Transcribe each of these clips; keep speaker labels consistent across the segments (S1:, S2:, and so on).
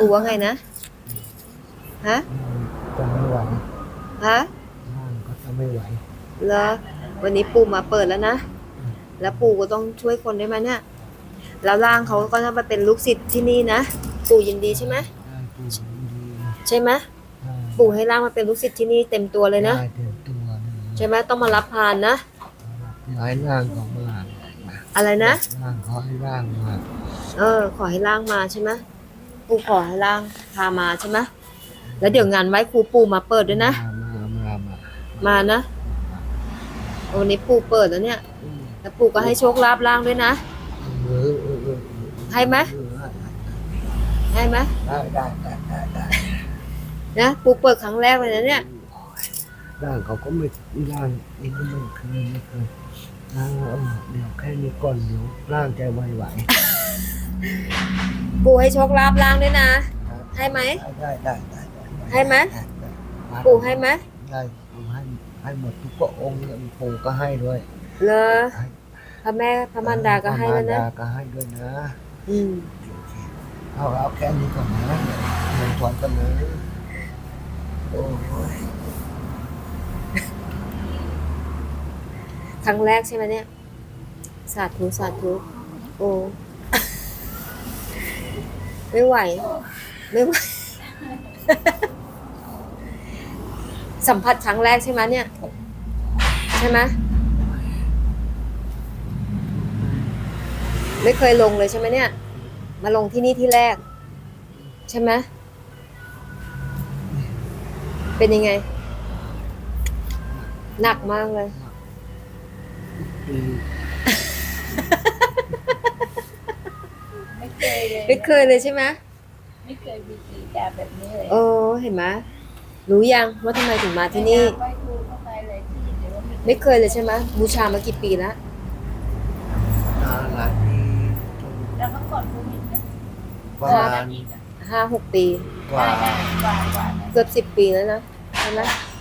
S1: ปู่ว่าไงนะฮะ
S2: จะไม่ไหว
S1: ฮะ
S2: ร่างก็จะไม่ไหว
S1: เหรอวันนี้ปู่มาเปิดแล้วนะแล้วปู่ก็ต้องช่วยคนได้ไหมเนี่ยแล้วร่างเขาก็จะมาเป็นลูกศิษย์ที่นี่นะปู่ยินดีใช่ไหม
S2: ได้ปู่ยินดี
S1: ใช่ไหม
S2: ได้
S1: ปู่ให้ร่างมาเป็นลูกศิษย์ที่นี่เต็มตัวเลยนะ
S2: ได้เต็มตัวเลย
S1: ใช่ไหมต้องมารับพานนะ
S2: ย้ายร่างของมา
S1: อะไรนะ
S2: ร่างขอให้ร่างมา
S1: ขอให้ร่างมาใช่ไหมปู่ขอให้ร่างพามาใช่ไหมแล้วเดี๋ยวงานไหว้ครูปู่มาเปิดด้วยนะมานะวันนี้ปู่เปิดแล้วเนี่ยแล้วปู่ก็ให้โชคลาภร่างด้วยนะให้ไหมให้ไหม
S2: ได้
S1: นะปู่เปิดครั้งแรกเลยนะเนี่ย
S2: ร่างเขาก็ไม่ร่างนี่ก็ไม่เคยร่างเดี๋ยวแค่นี้ก่อนเดี๋ยวร่างจะไหว
S1: ปู่ให้โชคลาภร่างด้วยนะให้ไหม
S2: ได้
S1: ให้ไหมปู่ให้ไหม
S2: ได้ให้หมดทุกพระองค์เลยปู่ก็ให้ด้วย
S1: เหรอพระแม่พระมารดาก็ให้แล้วนะ
S2: ก็ให้ด้วยนะ
S1: อืม
S2: เอาแค่นี้ก่อนนะเงินถอนกันเลยโอ้ย
S1: ครั้งแรกใช่ไหมเนี่ยสาธุสาธุโอ้ไม่ไหวไม่ไหว สัมผัสครั้งแรกใช่ไหมเนี่ยใช่ไหมไม่เคยลงเลยใช่ไหมเนี่ยมาลงที่นี่ที่แรกใช่ไหมเป็นยังไงหนักมากเลยไม่เคยเลยใช่ไหม
S3: ไม่เคยมีกิจการแบบนี้เลย
S1: โอ้เห็นไหมรู้ยังว่าทำไมถึงมาที่นี่ไม่เคยเลยใช่ไหมบูชามากี่ปีแล้ว
S2: หลายปี
S3: แล้วเมื่อก่อนโควิดนะ
S2: ประมาณ
S1: 5-6 ปี
S2: กว่า
S1: เกือบ10 ปีแล้วนะใช่ไหม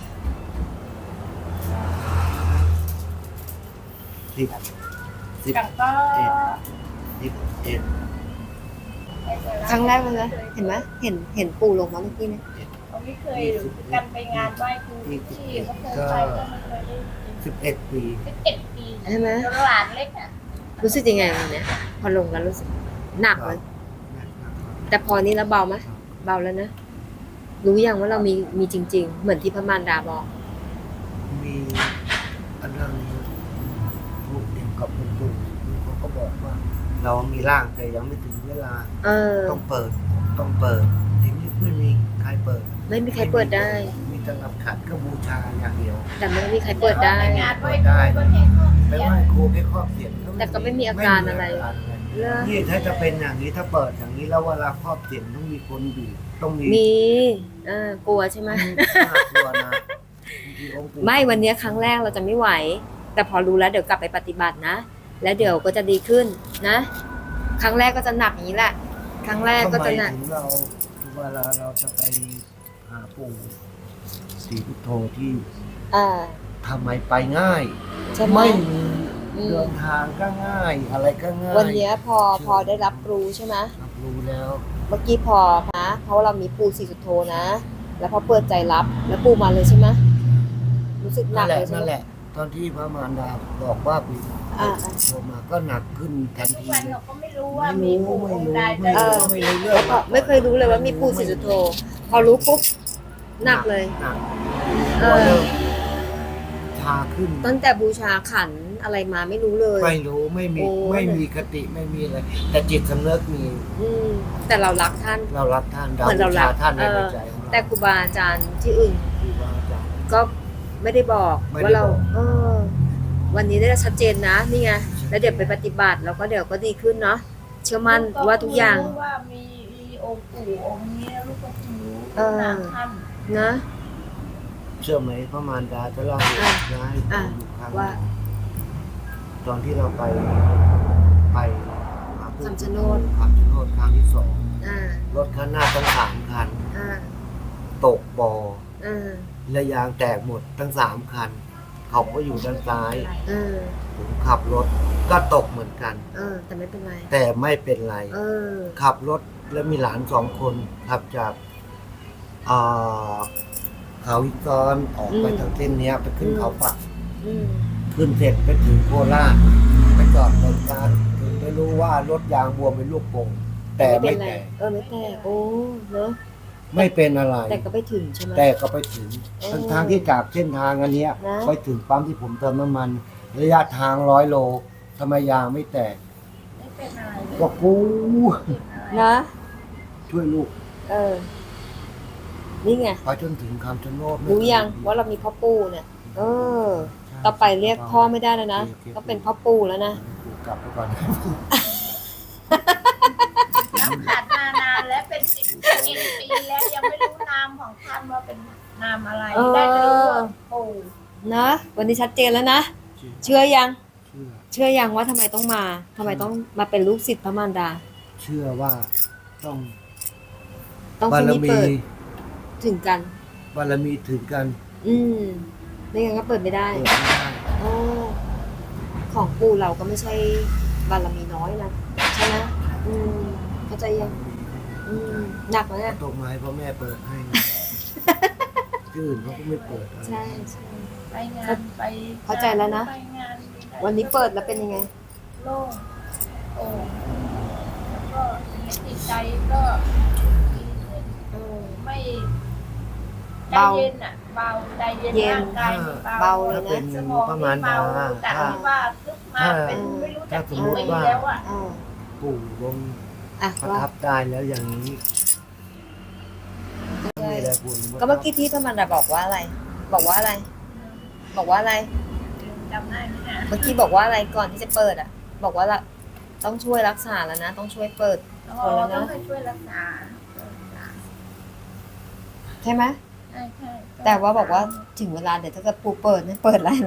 S2: 10
S3: กับก็
S2: 11
S1: ครั้งแรกเลยนะเห็นไหมเห็นปู่ลงมาเมื่อกี้เนี่ย
S3: เขาไม่เคยกันไปงานไหว้ครูที่เขาเคยไปก็ไม่เคยได้
S2: 11 ปี
S3: 11 ปี
S1: ใช่ไหม
S3: ตลาดเล็กอ่ะ
S1: รู้สึกยังไงวันเนี้ยพอลงแล้วรู้สึกหนักเลยแต่พอนี้แล้วเบาไหมเบาแล้วนะรู้ยังว่าเรามีจริงๆเหมือนที่พระมารดาบอก
S2: มีอันนั้นพูดเกี่ยวกับปู่เขาก็บอกว่าเรามีร่างแต่ยังไม่ถึงเวลาต้องเปิดทีนี้ไม่มีใครเปิด
S1: ไม่มีใครเปิดได้
S2: มีแต่รับขัดก็บูชาอย่างเดียว
S1: แต่ไม่มีใครเปิดได้
S3: งานไหว้ครูก็แค่ข้อ
S2: ไปไหว้ครูแค่ครอบเสียง
S1: แต่ก็ไม่มีอาการอะไร
S2: นี่ถ้าจะเป็นอย่างนี้ถ้าเปิดอย่างนี้แล้วเวลาครอบเสียงต้องมีคนอยู่ต้องมี
S1: กลัวใช่ไหม
S2: กลัวนะ
S1: ไม่วันนี้ครั้งแรกเราจะไม่ไหวแต่พอรู้แล้วเดี๋ยวกลับไปปฏิบัตินะแล้วเดี๋ยวก็จะดีขึ้นนะครั้งแรกก็จะหนักอย่างนี้แหละครั้งแรกก็จะหนัก
S2: เวลาเราจะไปหาปู่ศรีพุทโธที่ทำไมไปง่ายไม่มีเดินทางก็ง่ายอะไรก็ง่าย
S1: วันนี้พอได้รับรู้ใช่ไหม
S2: รับรู้แล้ว
S1: เมื่อกี้พอนะเพราะเรามีปู่ศรีสุโธนะแล้วพอเปิดใจรับแล้วปู่มาเลยใช่ไหมรู้สึกหนักเลยใช่ไหม
S2: นั่นแหละตอนที่พระมารดาบอกว่าปู่โทรมาก็หนักขึ้นทันที
S3: วันเราก็ไม่รู้ว่ามีปู่องค์ใด
S1: ไม่เคยรู้เลยว่ามีปู่ศรีสุโธพอรู้ปุ๊บหนักเลย
S2: ชาขึ้น
S1: ตั้งแต่บูชาขันอะไรมาไม่รู้เลย
S2: ไม่รู้ไม่มีคติไม่มีอะไรแต่จิตสำนึกมี
S1: แต่เรารักท่าน
S2: เหมือนเรารักท่านในใจ
S1: แต่ครูบาอาจารย์ที่อื่นก็ไม่ได้บอกว่าเราวันนี้ได้ชัดเจนนะนี่ไงแล้วเดี๋ยวไปปฏิบัติแล้วก็เดี๋ยวก็ดีขึ้นเนาะเชื่อมั่นว่าทุกอย่าง
S3: ว่ามีองค์ปู่องค์นี้ลูกก็รู้นามท่าน
S1: นะ
S2: เชื่อไหมพระมารดาจะเล่าให้
S1: ว่า
S2: ตอนที่เราไป
S1: คำชะโนด
S2: ครั้งที่2รถข้างหน้าทั้ง3 คันตกบ่อและยางแตกหมดทั้ง3 คันเขาก็อยู่ด้านซ้ายผมขับรถก็ตกเหมือนกัน
S1: แต่ไม่เป็นไร
S2: ขับรถแล้วมีหลาน2 คนขับจากอ่าเขาวิกรออกไปทางเส้นเนี้ยไปขึ้นเขาปัก
S1: อืม
S2: ขึ้นเสร็จไปถึงโคราชไปจอดบริการถึงได้รู้ว่ารถยางบวมเป็นลูกโป่งแต่ไม่
S1: เป็นไร
S2: แตก
S1: ไม่แตกโอ้เนอะ
S2: ไม่เป็นอะไร
S1: แต่ก็ไปถึงใช่ไหม
S2: แต่ก็ไปถึง
S1: โอ้
S2: ทางที่จากเส้นทางอันเนี้ย
S1: นะ
S2: ไปถึงปั๊มที่ผมเติมน้ำมัน ระยะทาง100 โลทำไมยางไม่แตก
S3: ไม่เป็นอะไรเลย
S2: ก็กู
S3: เป็นอะไร
S1: นะ
S2: ช่วยลูก
S1: นี่ไง
S2: ไปจนถึงคำชะโนด
S1: รู้ยังว่าเรามีพ่อปู่เนี่ย ต่อไปเรียกพ่อไม่ได้แล้วนะต้องเป็นพ่อปู่แล้วนะ
S2: กลับไปก่อน
S3: น้ำขาดมานานแล้วเป็น10 ปีแล้วยังไม่รู้นามของท่านว่าเป็นนามอะไร ได้แต่รู้ว่าปู่
S1: นะวันนี้ชัดเจนแล้วนะ เชื่อยัง
S2: เชื่อ
S1: เชื่อยังว่าทำไมต้องมาทำไมต้องมาเป็นลูกศิษย์พระมารดา
S2: เชื่อว่าต้อง
S1: ต้อง
S2: บา
S1: ที่
S2: ร
S1: นี่
S2: มี
S1: เปิดถึงกัน
S2: บารมีถึงกัน
S1: อืมไม่งั้นก็เปิดไม่ได้
S2: เปิดไม่ได้
S1: โอ้ของปู่เราก็ไม่ใช่บารมีน้อยนะใช่ไหมเข้าใจยังหนักไหมอ่ะ
S2: ตกไม้เพราะแม่เปิดให้ ที่อื่นเขาก็ไม่เปิดอะไร
S1: ใช่ใช่
S3: ไปงานไป
S1: เข้าใจแล้วนะ
S3: ไปงาน
S1: วันนี้เปิดแล้วเป็นยังไง
S3: โล่งโอ้แล้วก็ในจิตใจก็ดีขึ้นไม่ใจ
S1: เบา
S3: เย็นอ่ะเบาใจเย็น
S1: เย็น
S3: ร่างกายนี่
S1: เบาเลย
S2: ถ้า
S1: นะ
S2: เป็น
S3: สมอง
S2: พระ
S3: นี่
S2: มารดา
S3: เบาแต่ที่ว่าลึกมาเป็นไม่รู้จักกี่ปีแล้วอ่ะ
S2: ปู่ลง
S1: อ่ะ
S2: ประ
S1: ว่า
S2: ทับได้แล้วอย่างนี้นี่แหละปู่
S1: ก็เมื่อกี้ที่พระมารดาบอกว่าอะไร บอกว่าอะไร บอกว่าอะไร
S3: จำได้ไหมเนี่ย
S1: เมื่อกี้บอกว่าอะไรก่อนที่จะเปิดอ่ะ บอกว่าละต้องช่วยรักษาแล้วนะ ต้องช่วยเปิด
S3: อ๋อต้องให้ช่วยรักษา
S1: ใช่ไหม
S3: ใช่ใช่
S1: แต่ว่าบอกว่าถึงเวลาเดี๋ยวถ้าเกิดปูเปิดเนี่ยเปิดอะไรนะ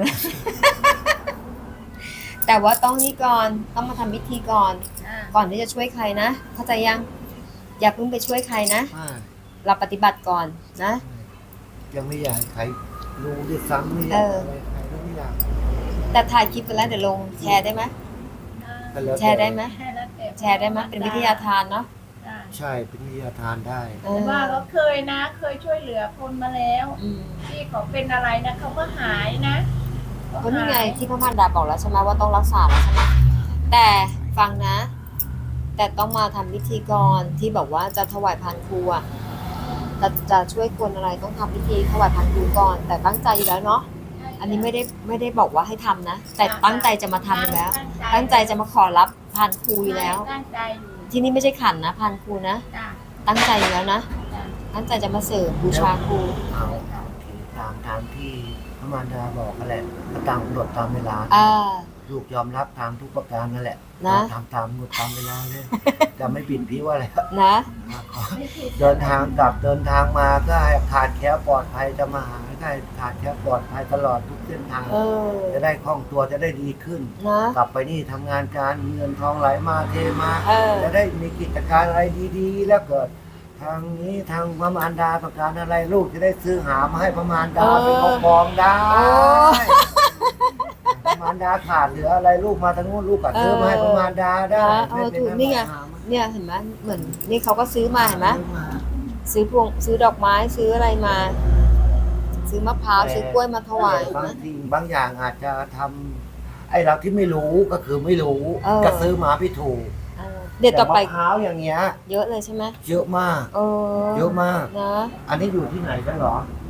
S1: แต่ว่าต้องนี่ก่อนต้องมาทำพิธีก่อน
S3: อ่า
S1: ก่อนที่จะช่วยใครนะเข้าใจยัง อย่าเพิ่งไปช่วยใครนะ
S2: ใช่
S1: เราปฏิบัติก่อนนะ
S2: ยังไม่อยากให้ใครรู้ด้วยซ้ำไม่อยากอะไรใครก็ไม่อยาก
S1: แต่ถ่ายคลิปไปแล้วเดี๋ยวลงแชร์ได้ไหม
S2: ก็ล้ว
S1: แชร์ได้ไหม
S3: ให้แล้วแต่
S1: แชร์ได้ไหมเป็นวิทยาทานเนาะ
S3: ได้
S2: ใช่เป็นวิทยาทานได้
S3: แต่ว่าเขาเคยนะ เคยช่วยเหลือคนมาแล้ว
S1: อืม
S3: ที่เขาเป็นอะไรนะเขาก็หายนะ
S1: ก็นี่ไงที่พระมารดาบอกแล้วใช่ไหมว่าต้องรักษาแล้วใช่ไหมแต่ฟังนะ แต่ต้องมาทำพิธีก่อนที่บอกว่าจะถวายพานครูอ่ะจะช่วยคนอะไรต้องทำพิธีถวายพานครูก่อน แต่ตั้งใจอยู่แล้วเนาะอันนี้ไม่ได้บอกว่าให้ทำนะ แต่ตั้งใจจะมาทำอยู่แล้ว ตั้งใจจะมาขอรับพานครูอยู่แล้ว
S3: ตั้งใจอยู่
S1: ที่นี่ไม่ใช่ขันนะพานครูนะ
S3: จ้ะ
S1: ตั้งใจอยู่แล้วนะ
S3: จ้ะ
S1: ตั้งใจจะมาเสริมบูชาครู
S2: เอาตามที่พระมารดาบอกนั่นแหละก็ตามกำหนดตามเวลา ลูกยอมรับตามทุกประการนั่นแหละ
S1: นะ
S2: ทำตามกำหนดตามเวลาเลยจะไม่ปิดพิ้วอะไร
S1: นะ
S3: ไม่ผิด
S2: เดินทางกลับเดินทางมาก็ให้ขาดแคล้วปลอดภัยจะมาหาได้ขาดแคล้วปลอดภัยตลอดทุกเส้นทาง จะได้คล่องตัวจะได้ดีขึ้น
S1: นะ
S2: กลับไปนี่ทำงานการเงินทองไหลมาเทมา
S1: เออ
S2: จะได้มีกิจการอะไรดีๆ แล้วเกิด ทางนี้ทางพระมารดาต้องการอะไรลูกจะได้ซื้อหามาให้พระมารดาเป็นกองได้ พระมารดาขาดเหลืออะไรลูกมาทางนู้นลูกก็ซื้อมาให้พระมารดาได้
S1: ถูกนี่ไงเนี่ยเห็นไหมเหมือนนี่เขาก็ซื้อมาเห็นไหมซื้อพวงซื้อดอกไม้ซื้ออะไรมา ซื้อมะพร้าวซื้อกล้วยมาถวาย
S2: บาง
S1: นะ
S2: สิ่งบางอย่างอาจจะทำไอ้เราที่ไม่รู้ก็คือไม่รู้ ก็ซื้อมาพี่ถูก
S1: เดี๋ยวต่อไป
S2: มะพร้าวอย่างเงี้ย
S1: เยอะเลยใช่ไหม
S2: เยอะมาก
S1: เออ
S2: เยอะมาก
S1: นะ
S2: อันนี้อยู่ที่ไหนกันเหรอ
S3: อ